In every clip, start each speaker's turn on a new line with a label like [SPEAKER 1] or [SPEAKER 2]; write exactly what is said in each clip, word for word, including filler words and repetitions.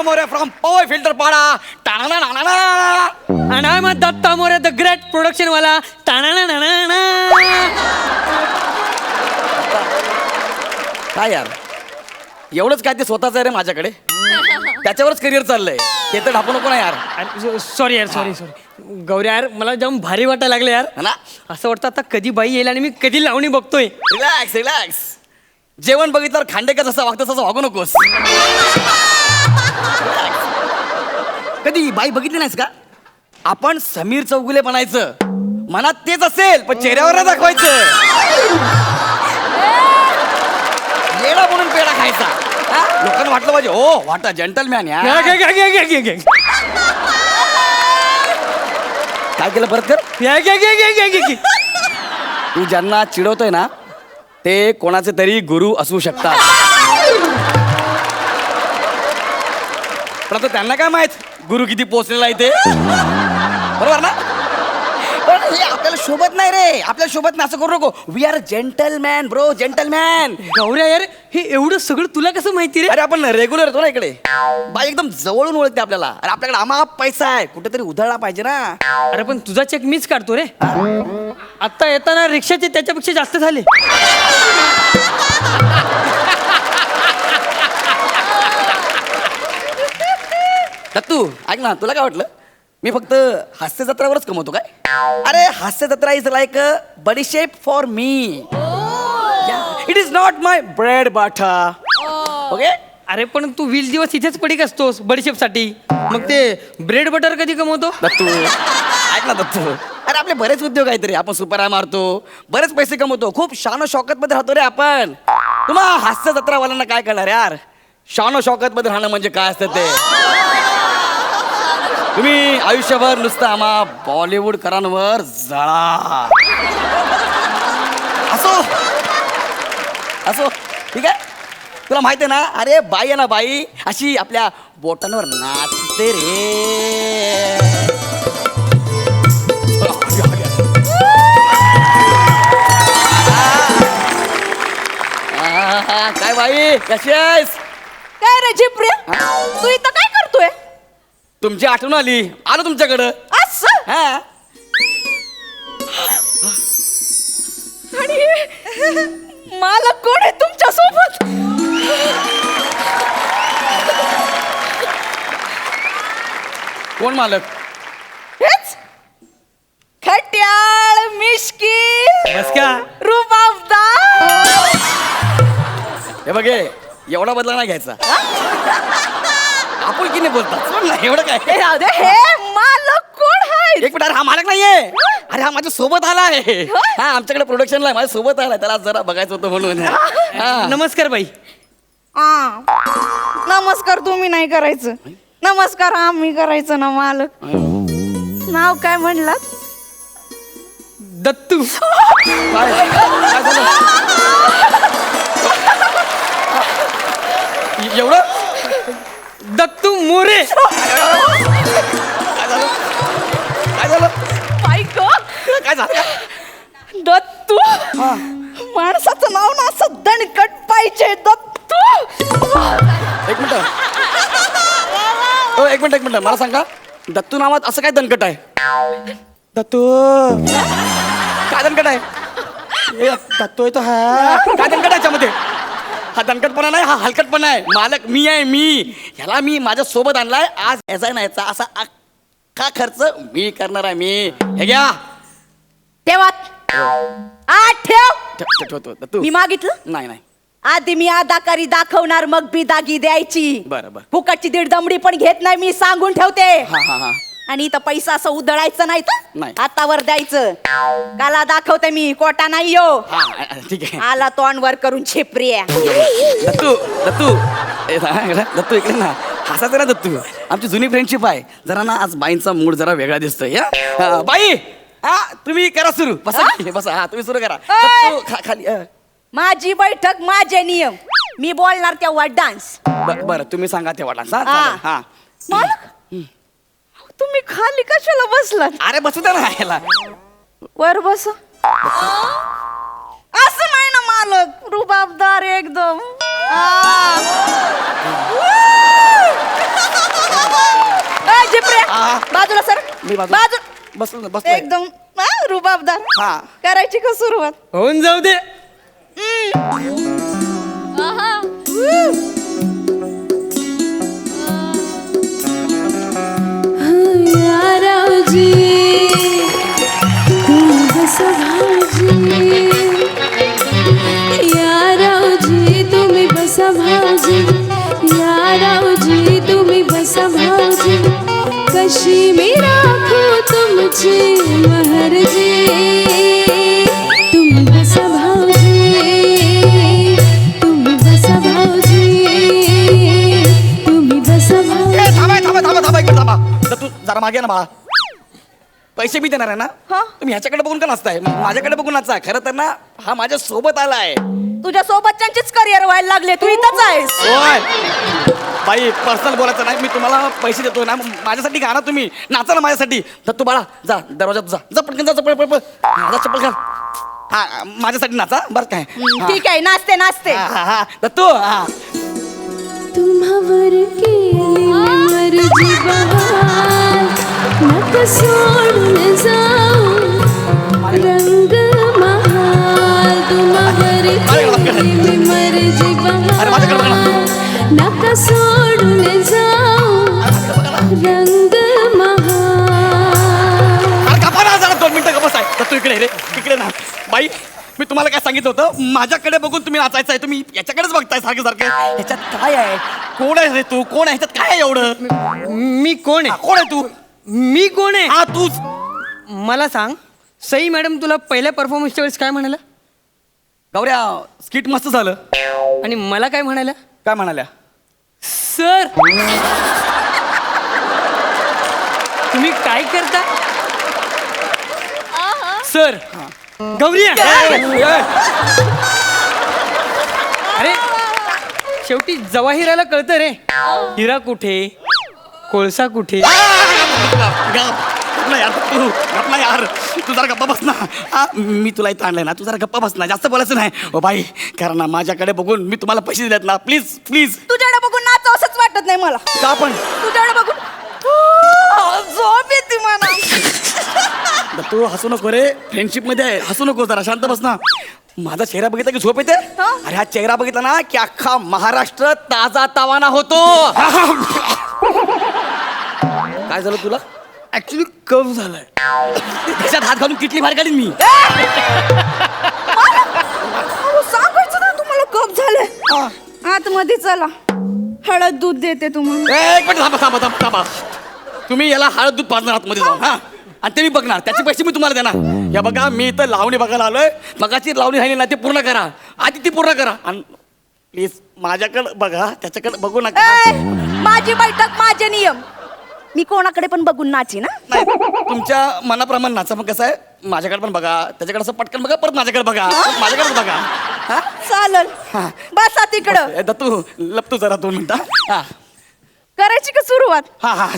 [SPEAKER 1] Datta More from power filter पाडा. टाणा ना ना
[SPEAKER 2] आणि I Datta More the great production वाला. टाणा ना ना.
[SPEAKER 1] काय यार एवढंच काय ते स्वतःच आहे रे माझ्याकडे. त्याच्यावरच करिअर चाललंय. ते तर ढापू नको ना यार.
[SPEAKER 2] सॉरी यार सॉरी सॉरी गौरी यार मला जाम भारी वाटायला लागलं यार.
[SPEAKER 1] है ना.
[SPEAKER 2] असं वाटतं आता कधी बाई येईल आणि मी कधी लावणी बघतोय.
[SPEAKER 1] Relax relax. जेवण बघितल्यावर खांडेकर जसं वागतं तसं वागू नकोस. कधी बाई बघितली नाहीस का. आपण समीर चौगुले बनायचं. मनात तेच असेल पण चेहऱ्यावर नाही दाखवायचं. येडा म्हणून पेढा खायचा. हा? लोकांना वाटलं पाहिजे हो वाटा जेंटलमॅन या.
[SPEAKER 2] घे, घे, घे, घे, घे, घे.
[SPEAKER 1] काय केलं परत कर.
[SPEAKER 2] घे, घे, घे, घे, घे, घे, घे.
[SPEAKER 1] तू ज्यांना चिडवतोय ना ते कोणाचे तरी गुरु असू शकतात. पण आता त्यांना काय माहित गुरु किती पोचलेला आहे ते. बरोबर ना. पण हे आपल्याला शोभत नाही रे. आपल्याला शोभत नाही असं करू नको. We are gentleman bro gentleman.
[SPEAKER 2] गौऱ्या यार हे एवढं सगळं तुला कसं माहिती रे.
[SPEAKER 1] अरे आपण रेग्युलर येतो ना इकडे. बाई एकदम जवळून ओळखते आपल्याला. अरे आपल्याकडे आमाप पैसा आहे कुठेतरी उधळला पाहिजे ना.
[SPEAKER 2] अरे पण तुझा चेक मीच काढतो रे. आता येताना रिक्षाचे त्याच्यापेक्षा जास्त झाले.
[SPEAKER 1] दत्तू ऐक ना तुला काय वाटलं मी फक्त हास्य जत्रावरच कमवतो काय. अरे हास्य जत्रा is like a badishep for me. It is not my bread butter. Okay.
[SPEAKER 2] अरे पण तू वीस दिवस इथेच पडीक असतोस बडीशेप साठी. मग ते ब्रेड बटर कधी कमवतो.
[SPEAKER 1] दत्तू ऐक ना दत्तू. अरे आपले बरेच उद्योग आहेत रे. आपण सुपर आय मारतो बरेच पैसे कमवतो. खूप शानो शौकत मध्ये राहतो रे आपण. तुम्हा हास्य जत्रावाल्यांना काय कळणार यार. शानो शौकत मध्ये राहणं म्हणजे काय असतं ते. तुम्ही आयुष्यभर नुसतं आम्हा बॉलिवूड करांवर जळा. असो असो ठीक आहे. तुला माहिती आहे ना अरे बाई आहे ना बाई अशी आपल्या बोटांवर नाचते रे. काय बाई कशी आहेस.
[SPEAKER 3] काय रे झिपऱ्या तू इथं काय करतोय.
[SPEAKER 1] तुमची आठवण आली आलो तुमच्याकडं.
[SPEAKER 3] असं
[SPEAKER 1] हा
[SPEAKER 3] आणि मला कोण आहे तुमच्या सोबत.
[SPEAKER 1] कोण मालक.
[SPEAKER 3] हेच खट्याळ मिश्की
[SPEAKER 2] बस का.
[SPEAKER 3] रुबाबदार.
[SPEAKER 1] हे बघे एवढा बदला नाही घ्यायचा. आपण की नाही बोलतात सोड ना एवढं
[SPEAKER 3] हे
[SPEAKER 1] काय.
[SPEAKER 3] राहू दे हे मालक कोण आहे.
[SPEAKER 1] एक मिनिट अरे हा मालक नाहीये. अरे हा माझ्या सोबत आला आहे. हा आमच्याकडे प्रोडक्शनला आहे माझ्या सोबत आलाय. त्याला जरा बघायचं होतं म्हणून. हा.
[SPEAKER 2] नमस्कार बाई.
[SPEAKER 3] आ, नमस्कार तुम्ही नाही करायचं. नमस्कार आम्ही करायचं ना मालक. नाव काय म्हणलात.
[SPEAKER 2] दत्तू.
[SPEAKER 1] काय काय झालं एवढं.
[SPEAKER 2] दत्तू मोरे.
[SPEAKER 1] काय झालं काय झालं
[SPEAKER 3] बाईक
[SPEAKER 1] काय झालं.
[SPEAKER 3] दत्तू माणसाचं नाव ना असं दणकट पाहिजे. दत्तू.
[SPEAKER 1] एक मिनिट हो एक मिनिट एक मिनिट मला सांगा दत्तू नावात असं काय दणकट आहे. दत्तू काय दणकट आहे. ए, दत्तू आहे तो हा काय दणकट आहे याच्यामध्ये. हा दणकटपणा नाही हा हलकटपणा आहे. मालक मी आहे मी. ह्याला मी माझ्या सोबत आणलाय. आज याचा नाही याचा असा अख्खा खर्च मी करणार आहे मी. हे घ्या
[SPEAKER 3] ठेवात आठ ठेव.
[SPEAKER 1] ठेव- ठेवतो दत्तू.
[SPEAKER 3] मी मागितलं
[SPEAKER 1] नाही नाही
[SPEAKER 3] आधी मी अदाकारी दाखवणार मग बिदागी द्यायची.
[SPEAKER 1] बरं बरं.
[SPEAKER 3] फुकटची दीड दमडी पण घेत नाही मी सांगून ठेवते.
[SPEAKER 1] हा हा हा
[SPEAKER 3] आणि इथं पैसा असं उधळायचं नाही तर
[SPEAKER 1] नाही.
[SPEAKER 3] हातावर द्यायचं. काला दाखवते मी कोटा नाही यो.
[SPEAKER 1] हा ठीक आहे.
[SPEAKER 3] आला तोंडवर करून छिपऱ्या.
[SPEAKER 1] दत्तू दत्तू ए, हा, इकडे. दत्तू इकडे ना हसायचं ना दत्तू. आमची जुनी फ्रेंडशिप आहे. जरा ना आज बाईंचा मूड जरा वेगळा दिसतोय. हा? हा, बाई हा तुम्ही करा सुरू. बसा की, बसा हा तुम्ही सुरू करा. दत्तू, खा- खाली अ.
[SPEAKER 3] माझी बैठक माझे नियम. मी बोलणार तेव्हा डान्स.
[SPEAKER 1] ब- बरं तुम्ही सांगा तेव्हा डान्स. हा
[SPEAKER 3] हा.
[SPEAKER 1] चालेल. हा
[SPEAKER 3] मालक तुम्ही खाली कशाला बसलात.
[SPEAKER 1] अरे बसू द्या ना ह्याला.
[SPEAKER 3] वर बस. असं नाही ना मालक रुबाबदार एकदम. आ.
[SPEAKER 1] हा.
[SPEAKER 3] बाजूला सर
[SPEAKER 1] मी बाजू
[SPEAKER 3] बाजू
[SPEAKER 1] बसलो बसलो
[SPEAKER 3] एकदम हा, रुबाबदार
[SPEAKER 1] हा.
[SPEAKER 3] करायची का सुरुवात
[SPEAKER 2] होऊन जाऊ दे.
[SPEAKER 4] यारावजी तुम्ही बसा भाऊजी यारावजी तुम्ही बसा भाऊजी यारावजी तुम्ही बसा भाऊजी कशी मी राखू तुमची महरजी तुम्ही बसा भाऊजी तुम्ही बसा भाऊजी तुम्ही बसा भाऊजी
[SPEAKER 1] ए, थांबा थांबा थांबा थांबा इकडे थांबा तर तू जरा मागे ये ना बाळा पैसे मी देणार आहे ना
[SPEAKER 3] हा.
[SPEAKER 1] तुम्ही ह्याच्याकडे बघून का नाचताय माझ्याकडे बघून नाचताय खरं तर ना हा माझ्या सोबत आलाय
[SPEAKER 3] तुझ्या सोबतच्यांचीच करिअर व्हायला लागले तू इथंच आहेस
[SPEAKER 1] होय बाई पर्सनल बोलायचं नाही मी तुम्हाला पैसे देतो ना माझ्यासाठी गा ना तुम्ही नाचा ना माझ्यासाठी तर तू बाळा जा दरवाजात जा जा पटकन जा चप्पल पळ जा चप्पल घाल हा माझ्यासाठी नाचा बरं काय हा.
[SPEAKER 3] ठीक आहे नाचते नाचते
[SPEAKER 1] हा हा हा तर तू हा
[SPEAKER 4] तुम्हावर केली मर्जी बहार नका सोडून जाऊ रंग महाल तुम्हावर केली मर्जी बहार नका सोडून जाऊ रंग महाल
[SPEAKER 1] अरे गप्पा ना जरा दोन मिनिटं गप्पा आहे तर तू इकडे रे इकडे ना बाई मी तुम्हाला काय सांगितलं होतं माझ्याकडे बघून तुम्ही नाचायचं आहे तुम्ही याच्याकडेच बघताय सारखं सारखं ह्याच्यात काय आहे कोण आहे रे तू कोण आहे ह्याच्यात काय आहे एवढं
[SPEAKER 2] मी कोण
[SPEAKER 1] हा,
[SPEAKER 2] आहे?
[SPEAKER 1] कोण आहे तू
[SPEAKER 2] मी कोण आहे?
[SPEAKER 1] हा तूच
[SPEAKER 2] मला सांग, सई मॅडम तुला पहिल्या परफॉर्मन्सच्या वेळेस काय म्हणाल्या
[SPEAKER 1] गौऱ्या स्किट मस्त झालं
[SPEAKER 2] आणि मला काय म्हणाल्या?
[SPEAKER 1] काय म्हणाल्या
[SPEAKER 2] सर तुम्ही काय करता सर गौरी अरे शेवटी जवाहिराला कळतं रे हिरा कुठे कोळसा कुठे.
[SPEAKER 1] गप ना यार तू गप ना यार तू जरा गप्पा बस ना हा, मी तुला इथं आणलंय ना तू जरा गप्पा बस ना जास्त बोलायचं नाही ओ बाई कारण ना माझ्याकडे बघून मी तुम्हाला पैसे दिलेत ना प्लीज प्लीज
[SPEAKER 3] तुझ्याकडे बघून नाच असंच वाटत नाही मला
[SPEAKER 1] का पण
[SPEAKER 3] तुझ्याकडे बघून आ, झोप येते मला
[SPEAKER 1] ब- तू हसू नको रे फ्रेंडशिप मध्ये आहे. हसू नको जरा शांत बस ना माझा चेहरा बघितला की झोप येते
[SPEAKER 3] हा?
[SPEAKER 1] अरे हा चेहरा बघितला ना की अख्खा महाराष्ट्र ताजा तावाना होतो काय झालं तुला
[SPEAKER 2] ऍक्च्युली कम झालाय
[SPEAKER 1] त्याच्यात हात घालून किटली बाहेर काढीन मी
[SPEAKER 3] अहो, सांगायचं ना तुम्हाला कप झाले आतमध्ये चला हळद दूध देते तुम्हाला
[SPEAKER 1] ए, एक मिनिट थांबा थांबा थांबा थांबा तुम्ही याला हळद दूध पाजणार आतमध्ये जाऊन हा आणि ते मी बघणार त्याचे पैसे मी तुम्हाला देणार या बघा मी इथं लावणी बघायला आलोय मगाची लावणी राहिली ना ती पूर्ण करा आधी ती पूर्ण करा आणि प्लीज माझ्याकडे बघा त्याच्याकडे बघू नका
[SPEAKER 3] ए, माझी बैठक माझे नियम मी कोणाकडे पण बघून नाची ना
[SPEAKER 1] नाही तुमच्या मनाप्रमाणे नाचा मग कसं आहे माझ्याकडे पण बघा त्याच्याकडे असं पटकन बघा परत माझ्याकडे बघा माझ्याकडे पण बघा हा
[SPEAKER 3] चालल
[SPEAKER 1] हा.
[SPEAKER 3] बसा तिकडं
[SPEAKER 1] ए, दत्तू लपतो जरा दोन मिनिटं हा
[SPEAKER 3] करायची का सुरुवात
[SPEAKER 1] हा हा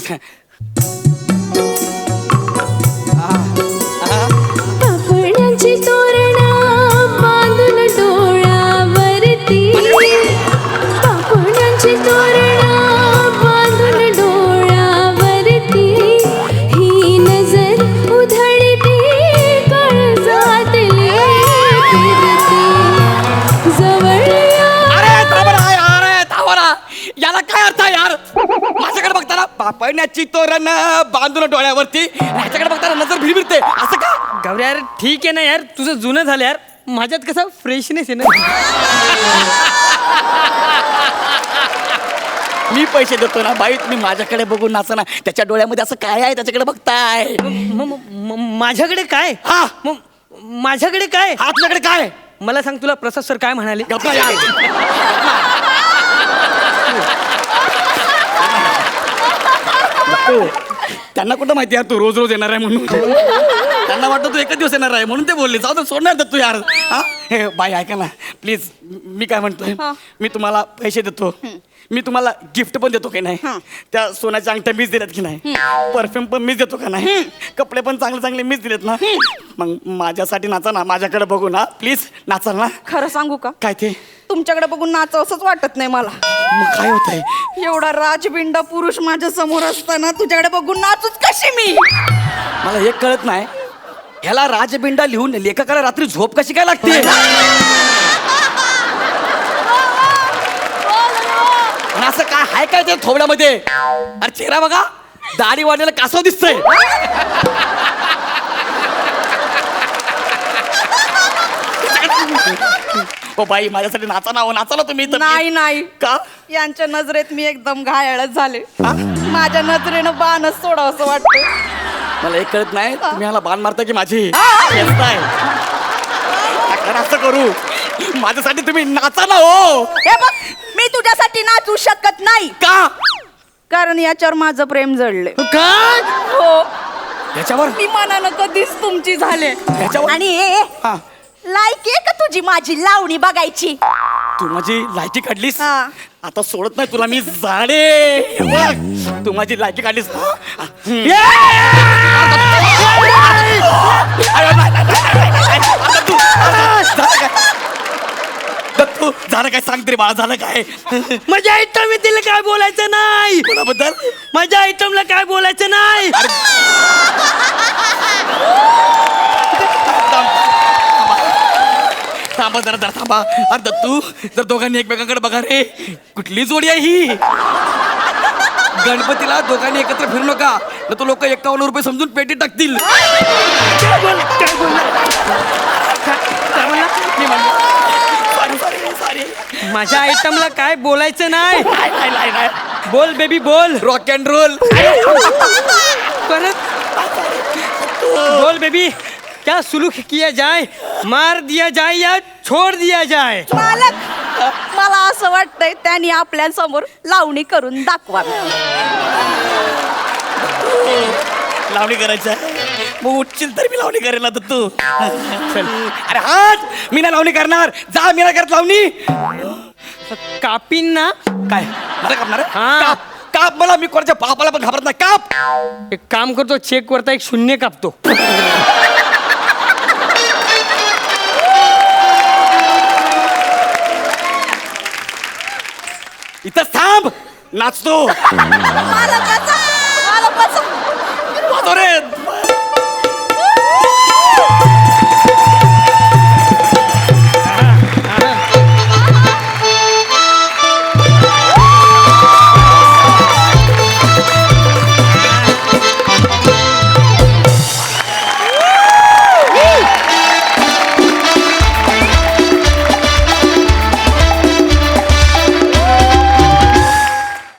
[SPEAKER 4] पापण्याची तोरणा बांधून डोळ्यावरती पापण्याची तोरणा बांधून डोळ्यावरती ही नजर उधळती काळजातली फिरती जवळ या
[SPEAKER 1] अरे थांबरा यार अरे थांबरा याला काय अर्थ आहे यार माझ्याकडे बघताना पापण्याची तोरण बांधून डोळ्यावरती ह्याच्याकडे बघताना नजर भिरभिरते असं का
[SPEAKER 2] गौरी यार ठीक आहे ना यार तुझं जुनं झालं यार माझ्यात कसा फ्रेशनेस आहे ना.
[SPEAKER 1] मी पैसे देतो ना बाई तुम्ही माझ्याकडे बघून नाचा ना त्याच्या डोळ्यामध्ये असं काय आहे त्याच्याकडे बघताय
[SPEAKER 2] म- म- म- माझ्याकडे काय
[SPEAKER 1] हा.
[SPEAKER 2] म- माझ्याकडे काय
[SPEAKER 1] हा तुझ्याकडे काय
[SPEAKER 2] मला सांग तुला प्रसाद सर काय म्हणाले
[SPEAKER 1] गप्पा यार गप्पू. त्यांना कुठं माहिती यार तू रोज रोज येणार आहे म्हणून त्यांना वाटतं तू एकच दिवस येणार आहे म्हणून ते बोलले जाऊ तर सोडणार दत्तू यार हा हे बाई ऐका ना प्लीज मी काय म्हणतोय
[SPEAKER 3] हा.
[SPEAKER 1] मी तुम्हाला पैसे देतो मी तुम्हाला गिफ्ट पण देतो की नाही
[SPEAKER 3] हा.
[SPEAKER 1] त्या सोन्याच्या अंगठ्या मीच दिल्यात की नाही परफ्यूम पण मीच देतो का नाही कपडे पण चांगले चांगले मीच दिलेत ना मग माझ्यासाठी नाचा ना माझ्याकडे बघू ना प्लीज नाचाल ना
[SPEAKER 3] खरं सांगू का
[SPEAKER 1] काय ते
[SPEAKER 3] तुमच्याकडे बघून नाच असंच वाटत नाही मला
[SPEAKER 1] मग काय होत आहे
[SPEAKER 3] एवढा राजबिंडा पुरुष माझ्या समोर असताना तुझ्याकडे बघून नाचूच कशी मी
[SPEAKER 1] मला हे कळत नाही ह्याला राजबिंडा लिहून लेखकाला रात्री झोप कशी काय लागते आणि असं काय हाय काय ते थोबड्यामध्ये अरे चेहरा बघा दाढी वाढलेला कासव दिसतंय ओ बाई माझ्यासाठी नाचा ना हो नाचा ना तुम्ही इथं.
[SPEAKER 3] नाही नाही
[SPEAKER 1] का
[SPEAKER 3] यांच्या नजरेत मी एकदम घायाळच झाले माझ्या नजरेनं बाणच सोडावं असं वाटतं
[SPEAKER 1] मला एक कळत नाही तुम्ही ह्याला बाण मारता की माझी येताय. नका असं करू माझ्यासाठी तुम्ही नाचा ना हो
[SPEAKER 3] हे बघ मी तुझ्यासाठी नाचू शकत नाही
[SPEAKER 1] का
[SPEAKER 3] कारण याच्यावर माझं प्रेम जडले
[SPEAKER 1] काय
[SPEAKER 3] हो
[SPEAKER 1] याच्यावर
[SPEAKER 3] मी मनानं कधीच तुमची झाले
[SPEAKER 1] याच्यावर
[SPEAKER 3] आणि ए,
[SPEAKER 1] हा
[SPEAKER 3] लायकी आहे का तुझी माझी लावणी बघायची
[SPEAKER 1] तू माझी लायकी काढलीस
[SPEAKER 3] हा.
[SPEAKER 1] आता सोडत नाही तुला मी झाडे हे बघ, तू माझी लायकी काढलीस ये! अरे, नाही, नाही, नाही, नाही, नाही, नाही. आता तू- झालं काय? दत्तू, झालं काय सांग तरी बाळा झालं काय
[SPEAKER 2] माझ्या आयटम तिला काय बोलायचं नाही
[SPEAKER 1] कोणाबद्दल
[SPEAKER 2] माझ्या आयटमला काय बोलायचं नाही
[SPEAKER 1] थांबा जरा जरा थांबा अरे दत्तू जर दोघांनी एकमेकांकडे बघा रे कुठली जोडी आहे ही गणपतीला दोघांनी एकत्र फिरू नका न तो लोक एकावन्न रुपये समजून पेटी टाकतील
[SPEAKER 2] काय बोल काय बोलला
[SPEAKER 1] मी म्हणलो सॉरी सॉरी सॉरी
[SPEAKER 2] माझ्या आयटमला काय बोलायचं नाही
[SPEAKER 1] नाही नाही नाही नाही
[SPEAKER 2] बोल बेबी बोल
[SPEAKER 1] रॉक अँड रोल
[SPEAKER 2] परत बोल बेबी क्या सुलूक किया जाए मार दिया जाए या छोड़ दिया जाए
[SPEAKER 3] मालक मला असं वाटतंय त्यांनी आपल्या समोर लावणी करून दाखवावी
[SPEAKER 1] लावणी करायची आहे मग उठशील तर मी लावणी करेल ना तू अरे हाच मी नाही लावणी करणार जा मी नाही करत लावणी
[SPEAKER 2] कापीन ना
[SPEAKER 1] काय मला कापणार आहे?
[SPEAKER 2] हा.
[SPEAKER 1] काप काप मला मी कोणाच्या बापाला पण घाबरत नाही काप
[SPEAKER 2] एक काम करतो चेक वरता एक शून्य कापतो
[SPEAKER 1] इथं थांब नाचतो
[SPEAKER 3] मालक वाचव, मालक वाचव.
[SPEAKER 1] वाजव रे